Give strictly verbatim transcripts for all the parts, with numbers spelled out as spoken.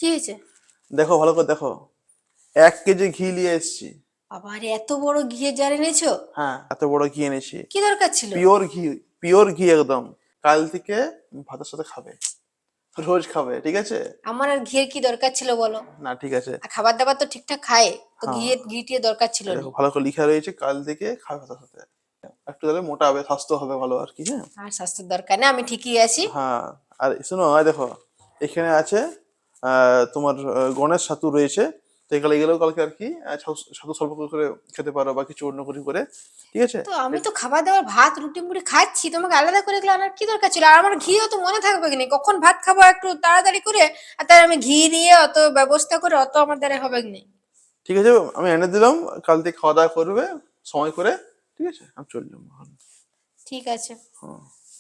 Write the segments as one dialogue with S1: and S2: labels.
S1: কি হয়েছে?
S2: দেখো ভালো করে দেখো, এক কেজি ঘি নিয়ে এসেছি।
S1: আবার এত বড় ঘিয়ের জার এনেছো?
S2: হ্যাঁ, এত বড় ঘি এনেছি।
S1: কি দরকার ছিল?
S2: পিওর ঘি, পিওর ঘি একদম। কাল থেকে ভাতের সাথে খাবে, রোজ খাবে, ঠিক আছে?
S1: আমার আর ঘিয়ের কি দরকার ছিল বলো?
S2: না ঠিক আছে।
S1: আর খাবার দাবার তো ঠিকঠাক খায়, তো
S2: হ্যাঁ,
S1: ঘিয়ের ঘি টিয়ে দরকার ছিল
S2: এই
S1: না।
S2: দেখো ভালো করে লিখা রয়েছে, কাল থেকে খাবে ভাতের সাথে। একটু তাহলে মোটা হবে, স্বাস্থ্য হবে ভালো আর কি। হ্যাঁ
S1: আর স্বাস্থ্যের দরকার নেই, আমি ঠিকই আছি।
S2: হ্যাঁ। আর শোনো, আর দেখো এখানে আছে আহ, তোমার আহ, গণেশ ছাতু রয়েছে। তো এগুলো গেলেও কালকে আর কি আহ, ছাতু ছাতু স্বল্প করে খেতে পারো বা কিছু অন্য কিছু করে, ঠিক আছে?
S1: তো আমি তো খাবার দাবার ভাত রুটি মুড়ি খাচ্ছি, তোমাকে আলাদা করে এগুলো আনার কি দরকার ছিল? আর আমার ঘিও তো মনে থাকবে কি না, কখন ভাত খাবো একটু তাড়াতাড়ি করে, আর তার আমি ঘি নিয়ে অত ব্যবস্থা করে অত আমার দ্বারা হবে কি না।
S2: ঠিক আছে, আমি এনে দিলাম, কাল থেকে খাওয়া দাওয়া করবে সময় করে, ঠিক আছে? আমি চললাম এখন।
S1: ঠিক আছে।
S2: হ্যাঁ।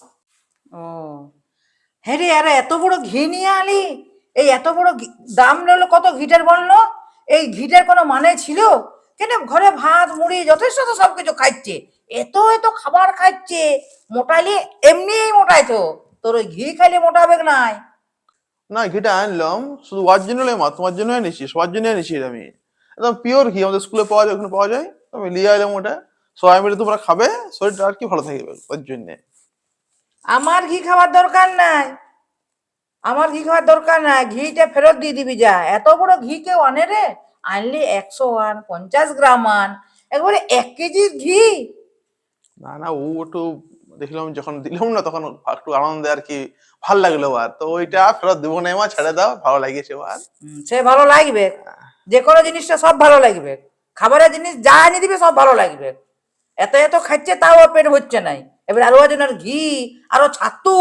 S3: ও হ্যাঁ রে, আরে এত বড় ঘি নিয়ে আলি? এই এত বড় ঘি- দাম নিলো কত ঘিটার বললো? এই ঘিটার কোনো মানে ছিল? কেন ঘরে ভাত মুড়ি যথেষ্ট তো সবকিছু খাচ্ছে, এত এত খাবার খাচ্ছে, মোটাইলে এমনিই মোটাই তো, তোর ওই ঘি খাইলে মোটাবে নাই।
S2: না, ঘিটা আনলাম শুধু ওর জন্য নয় মা, তোমার জন্য এনেছি, সবার জন্য এনেছি এটা আমি। একদম পিওর ঘি, আমাদের স্কুলে পাওয়া যায়, ওখানে পাওয়া যায়, আমি নিয়ে এলাম ওটা। সবাই মিলে তোমরা খাবে, শরীরটা আর কি ভালো থাকবে ওর জন্য।
S3: আমার ঘি খাওয়ার দরকার নাই, আমার ঘি খাওয়ার দরকার নাই, ঘিটা ফেরত দিয়ে দিবি যা। এত বড় ঘি কেউ আনে রে? আনলি একশো আন, পঞ্চাশ গ্রাম আন, একবারে এক কেজির ঘি।
S2: না না, ও একটু দেখলাম যখন দিলাম না, তখন একটু আনন্দে আর কি ভাল লাগলো। আর তো ওইটা ফেরত দেবো না মা, ছেড়ে দাও, ভালো লাগিয়েছে আর।
S3: হুম, সে ভালো লাগবে, যে কোনো জিনিসটা সব ভালো লাগবে, খাবারের জিনিস যা এনে দিবে সব ভালো লাগবে। এত এত খাচ্ছে তাও ওর পেট হচ্ছে নাই, এবার আরো জনের ঘি, আরো ছাতু,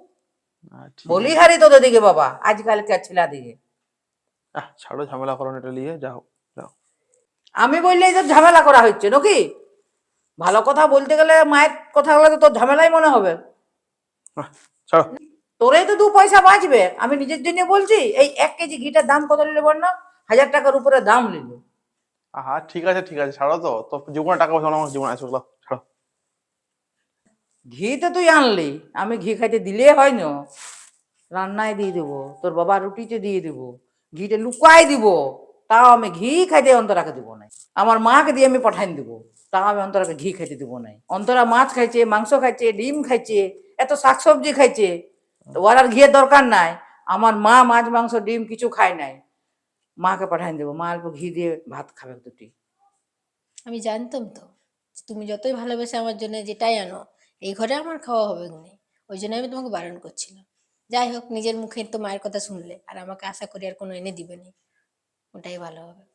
S2: আহ, ঠিক আছে।
S3: বলিহারি তোদের দিকে বাবা, আজকালকার ছেলা দিকে।
S2: আহ ছাড়ো, ঝামেলা করো না, এটা নিয়ে যাও, যাও।
S3: আমি বললে এই যে ঝামেলা করা হচ্ছে নাকি? ভালো কথা বলতে গেলে মায়ের কথা বলে তো তোর ঝামেলাই মনে হবে।
S2: আহ, ছাড়ো।
S3: তোরেই তো দু পয়সা বাঁচবে, আমি নিজের জন্য বলছি। এই এক কেজি ঘিটার দাম কত নিলে বল না? হাজার টাকার উপরে দাম নিল।
S2: আহা ঠিক আছে, ঠিক আছে, ছাড়ো তো। তো জীবনে টাকা পয়সা আমার জীবনে আছে, ওগুলো ছাড়ো।
S3: ঘি তো তুই আনলি, আমি ঘি খাইতে দিলে হয় না? রান্নায় দিয়ে দেবো, তোর বাবা রুটিতে দিয়ে দেবো, ঘিটা লুকাই দিব, তাও আমি ঘি খাইতে অন্তরাকে দিব নাই। আমার মাকে দিয়ে আমি পাঠাই দেবো, তাও আমি অন্তরাকে ঘি খাইতে দিব নাই। অন্তরা মাছ খাইছে, মাংস খাইছে, ডিম খাইছে, এত শাকসবজি খাইছে, তো ওর আর ঘিয়ের দরকার নাই। আমার মা মাছ মাংস ডিম কিছু খায় নাই, মাকে পাঠাই দেবো, মা অল্প ঘি দিয়ে ভাত খাবে দুটি।
S1: আমি জানতাম তো যে তুমি যতই ভালোবেসে আমার জন্য যেটাই আনো, এই ঘরে আমার খাওয়া হবে না, ওই জন্য আমি তোমাকে বারণ করছিলাম। যাই হোক, নিজের মুখে তো মায়ের কথা শুনলে, আর আমাকে আশা করি আর কোনো এনে দিবে না, ওটাই ভালো হবে।